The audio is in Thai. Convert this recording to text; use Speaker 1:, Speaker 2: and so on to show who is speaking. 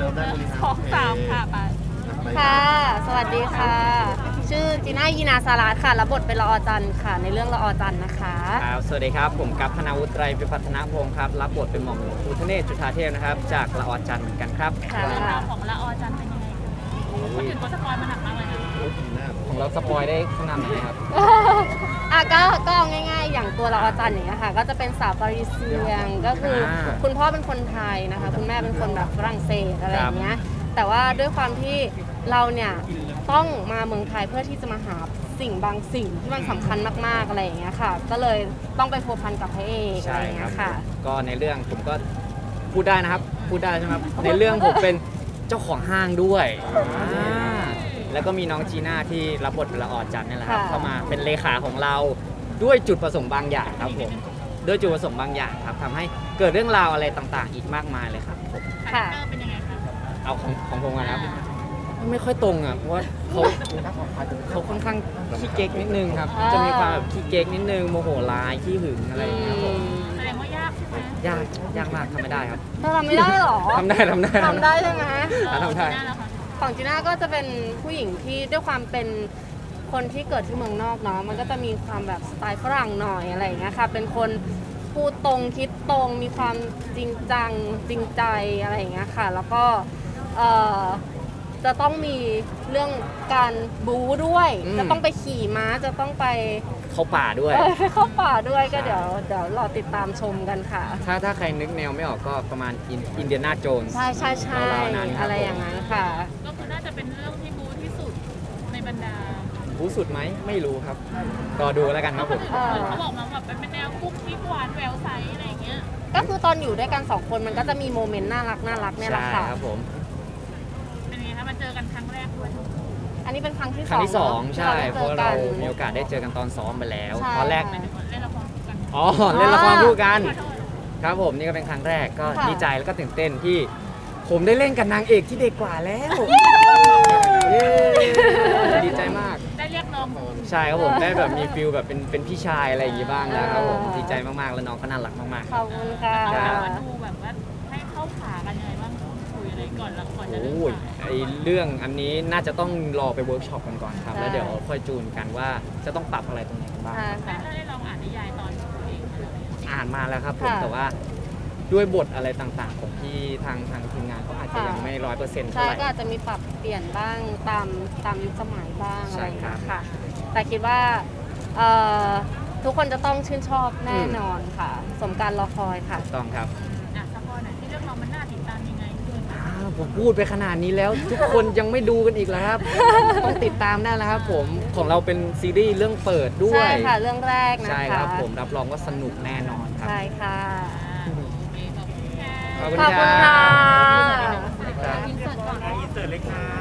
Speaker 1: ได้บริหาร
Speaker 2: 2-3ค่ะไป
Speaker 3: ค่ะ สวัสดีค่ะ ชื่อจีน่ายีนาสารัตค่ะ รับบทเป็นละออจันทร์ค่ะ ในเรื่องละออจันทร์นะคะ
Speaker 4: ครับสวัสดีครับผมกัปพนาวุฒิไตรพิพัฒนพงศ์ครับรับบทเป็นหม่อมหลวงภูทะเนศจุฑาเทพนะครับจากละออจันทร์เหมือนกันครับ
Speaker 3: ค่ะ
Speaker 2: เรื่องราวของละออจันเป็นยังไงคนอื่นเขาสปอยมาหนักมากเลยนะ
Speaker 4: ของเราสปอยได้ขนาดไหนครับ
Speaker 3: ก็เอาง่ายๆ อย่างตัวละออจันทร์อย่างเงี้ยค่ะ ก็จะเป็นสาวปารีเซียง ก็คือคุณพ่อเป็นคนไทยนะคะ คุณแม่เป็นคนแบบฝรั่งเศสอะไรอย่างเงี้ย แต่ว่าด้วยความที่เราเนี่ยต้องมาเมืองไทยเพื่อที่จะมาหาสิ่งบางสิ่งที่มันสำคัญมากๆอะไรอย่างเงี้ยค่ะ ก็เลยต้องไปพัวพันกับพระเอกอะไร
Speaker 4: ใช่
Speaker 3: อย่าง
Speaker 4: ค
Speaker 3: เงี้
Speaker 4: รับ
Speaker 3: ยค่ะ
Speaker 4: ก็ในเรื่องผมก็พูดได้นะครับพูดได้ใช่ไหมครับในเรื่องผมเป็นเจ้าของห้างด้วยแล้วก็มีน้องจีน่าที่รับบทเป็นละออจันทร์นี่แหละครับ
Speaker 3: ค่ะ
Speaker 4: เข้ามาเป็นเลขาของเราด้วยจุดประสงค์บางอย่างครับผมด้วยจุดประสงค์บางอย่างครับทำให้เกิดเรื่องราวอะไรต่างๆ อีกมากมายเลยครับผม
Speaker 2: คาแรคเตอร์เป็นยังไงคะ
Speaker 4: เอาของผมก่อนนะครับไม่ค่อยตรงอ่ะเพราะว่าเขาค่อนข้างขี้เก๊กนิดนึงครับ จะมีความแบบขี้เก๊กนิดนึงโมโหร้ายขี้หึงอะไรอย่างเงี้ยครับผม
Speaker 2: แสดงว่ายากใช่ไหม
Speaker 4: ยากมากทำไม่ได้ครับ
Speaker 3: เธอทำไม่ได้หรอ
Speaker 4: ทำได้
Speaker 3: ทำได้ใช่ไหม
Speaker 4: ทำได้
Speaker 2: จีน่าแล้วค่ะ
Speaker 3: ของจีน่าก็จะเป็นผู้หญิงที่ด้วยความเป็นคนที่เกิดที่เมืองนอกเนาะ มันก็จะมีความแบบสไตล์ฝรั่งหน่อยอะไรอย่างเงี้ยค่ะ เป็นคนพูดตรงคิดตรง มีความจริงจังจริงใจอะไรอย่างเงี้ยค่ะ แล้วก็เอ่อจะต้องมีเรื่องการบู๊ด้วย
Speaker 4: อืม
Speaker 3: จะต้องไปขี่ม้า จะต้องไป
Speaker 4: เข้าป่าด้วย
Speaker 3: ไปเข้าป่าด้วยก็
Speaker 4: ใช่
Speaker 3: เดี๋ยวรอติดตามชมกันค่ะ
Speaker 4: ถ้าใครนึกแนวไม่ออกก็ประมาณอินเดียนาโจนส์
Speaker 3: ใช่ใช่ใช่
Speaker 4: ราวๆนั้นครับ
Speaker 3: อะไรอย่างนั้นค่ะ
Speaker 2: ก็คือน่าจะเป็นเรื่องที่บูที่สุดในบรรดา
Speaker 4: รู้สุดไหมไม่รู้ครับรอดูแล้วกันครับผม
Speaker 3: เออ
Speaker 2: เขาบอกมาแบบเป็นแนวกุ๊กกิ๊กหวานแววใสอะไรอย่างเงี้ย
Speaker 3: ก็คือตอนอยู่ด้วยกันสองคนมันก็จะมีโมเมนต์น่ารักเนี่ยแหละ
Speaker 4: ใช่
Speaker 3: ค่ะ
Speaker 4: ครับผม
Speaker 2: เป็นยังไงคะมาเจอกันครั้งแรกด้วย
Speaker 3: อันนี้เป็นครั้งที่
Speaker 4: ครั้งที่สอง
Speaker 3: เนะ
Speaker 4: ใช่
Speaker 3: ที่
Speaker 4: เพ
Speaker 3: เรา
Speaker 4: ราะ
Speaker 3: ได้
Speaker 4: เรา
Speaker 3: เจอกัน
Speaker 4: มีโอกาสได้เจอกันตอนซ้อมไปแล้ว
Speaker 3: ใช่
Speaker 4: ตอนแรก
Speaker 2: เล่นละครกัน
Speaker 4: อ๋อเล่นละครคู่กัน
Speaker 2: ขอโทษ
Speaker 4: ครับผมนี่ก็เป็นครั้งแรกก็
Speaker 3: ค่ะ
Speaker 4: ดีใจแล้วก็ตื่นเต้นที่ผมได้เล่นกับนางเอกที่เด็กกว่าแล้วเย้ดีใจมาก
Speaker 2: ได้เรียกน้อง
Speaker 4: ใช่ครับผมได้แบบมีฟิลแบบเป็นพี่ชายอะไรอย่างงี้บ้างแล้วครับผมดีใจมากๆแล้วน้องก็น่ารักมากๆ
Speaker 3: ขอบคุณค่ะ
Speaker 2: เอา
Speaker 4: ค
Speaker 2: แบ
Speaker 4: รั
Speaker 2: บบ ว่าดูแบบว่าให้เข้าขากันยังไงบ้างคุยอะไรก่อนแล้วก่อนจะเริ่ม
Speaker 4: โอ้ย
Speaker 2: ถ่าย
Speaker 4: ไอเรื่องอันนี้น่าจะต้องรอไปเวิร์กช็อปกันก่อนครับ
Speaker 3: ใช่
Speaker 4: แล้วเดี๋ยวค่อยจูนกันว่าจะต้องปรับอะไรตรงไหนกันบ้าง
Speaker 3: ใช่ค่ะ
Speaker 2: ได้ลองอ่านนิยายตอนตัวเองไหม
Speaker 4: อ่านมาแล้วครับผม
Speaker 3: ค่ะ
Speaker 4: แต่ว่าด้วยบทอะไรต่างๆ ของที่ทางทีมงานเขาอาจจะยังไม่100%เท่า
Speaker 3: ใช่
Speaker 4: ไหร่
Speaker 3: ก็อาจจะมีปรับเปลี่ยนบ้างตามยุคสมัยบ้าง
Speaker 4: ใช่
Speaker 3: อะไรอย่าง
Speaker 4: ครั
Speaker 3: เงี้
Speaker 4: บ
Speaker 3: ยค่ะ แต่คิดว่าเอ่อทุกคนจะต้องชื่นชอบแน่นอนค่ะ สมการรอคอยค่ะ
Speaker 4: ถูกต้องครับ
Speaker 2: อ่ะสปอยหน่อยที่เรื่องเรามันน่าติดตามยังไงด้วย
Speaker 4: ผมพูดไปขนาดนี้แล้ว ทุกคนยังไม่ดูกันอีกแล้วครับ ต้องติดตามได้แล้วครับผมของเราเป็นซีรีส์เรื่องเปิดด้ว
Speaker 3: ใช่
Speaker 4: ย
Speaker 3: ค่ะ เรื่องแรกนะคะ
Speaker 4: ใช่ครับผมรับรองว่าสนุกแน่นอนครับ
Speaker 3: ใช่ค่ะ
Speaker 2: โอเคขอบคุณค่ะ
Speaker 4: ขอบคุณ
Speaker 3: ขอบ
Speaker 4: ค
Speaker 3: คุณ
Speaker 4: รั
Speaker 3: ค่ะ
Speaker 4: บ
Speaker 2: อินเสิร์ตก่อน
Speaker 1: อินเสิร์ตเลยค่ะ